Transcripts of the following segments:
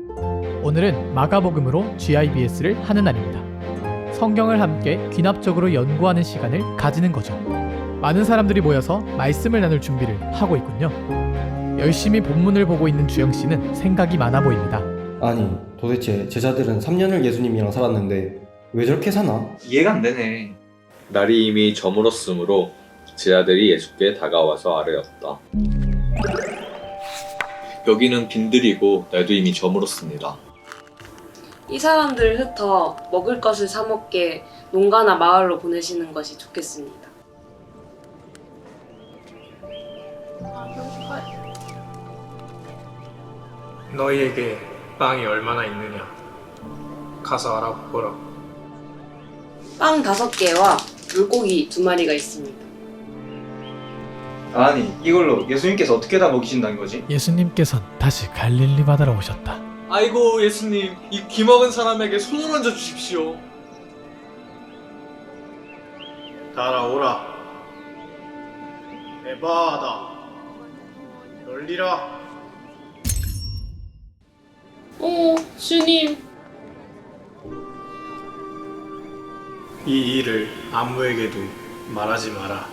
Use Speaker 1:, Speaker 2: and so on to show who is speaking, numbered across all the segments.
Speaker 1: 오늘은 마가복음으로 GIBS를 하는 날입니다. 성경을 함께 귀납적으로 연구하는 시간을 가지는 거죠. 많은 사람들이 모여서 말씀을 나눌 준비를 하고 있군요. 열심히 본문을 보고 있는 주영 씨는 생각이 많아 보입니다.
Speaker 2: 아니, 도대체 제자들은 3년을 예수님이랑 살았는데 왜 저렇게 사나?
Speaker 3: 이해가 안 되네.
Speaker 4: 날이 이미 저물었으므로 제자들이 예수께 다가와서 아뢰었다. 여기는 빈들이고 날도 이미 저물었습니다.
Speaker 5: 이 사람들을 흩어 먹을 것을 사 먹게 농가나 마을로 보내시는 것이 좋겠습니다.
Speaker 6: 너희에게 빵이 얼마나 있느냐? 가서 알아보거라.
Speaker 5: 빵 5개와 물고기 2마리가 있습니다.
Speaker 3: 아니, 이걸로 예수님께서 어떻게 다 먹이신다는 거지?
Speaker 1: 예수님께선 다시 갈릴리 바다로 오셨다.
Speaker 7: 아이고 예수님, 이 귀먹은 사람에게 손을 얹어 주십시오.
Speaker 6: 따라오라. 에바하다. 열리라.
Speaker 5: 주님.
Speaker 6: 이 일을 아무에게도 말하지 마라.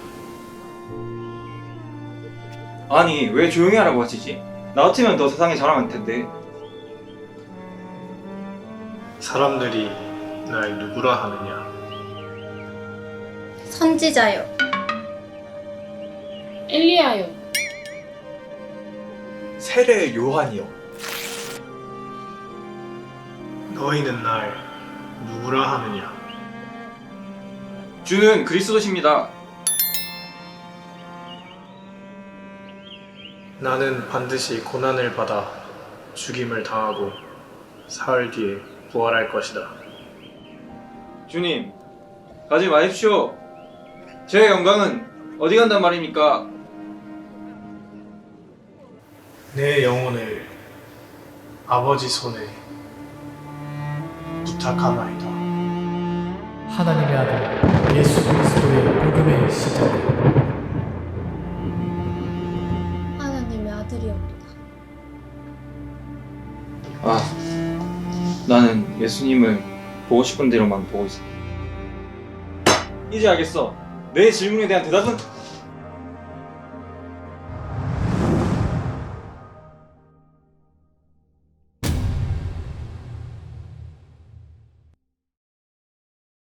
Speaker 3: 아니, 왜 조용히 하라고 하시지? 나 같으면 더 세상에 자랑할 텐데.
Speaker 6: 사람들이 날 누구라 하느냐?
Speaker 8: 선지자요.
Speaker 5: 엘리야요.
Speaker 7: 세례 요한이요.
Speaker 6: 너희는 날 누구라 하느냐?
Speaker 3: 주는 그리스도십니다.
Speaker 6: 나는 반드시 고난을 받아 죽임을 당하고 사흘 뒤에 부활할 것이다.
Speaker 3: 주님, 가지 마십시오. 제 영광은 어디 간단 말입니까?
Speaker 6: 내 영혼을 아버지 손에 부탁하나이다.
Speaker 1: 하나님의 아들 예수 그리스도의 복음의 시작.
Speaker 8: 하나님의 아들이옵니다.
Speaker 3: 나는 예수님을 보고 싶은 대로만 보고 있어. 이제 알겠어. 내 질문에 대한 대답은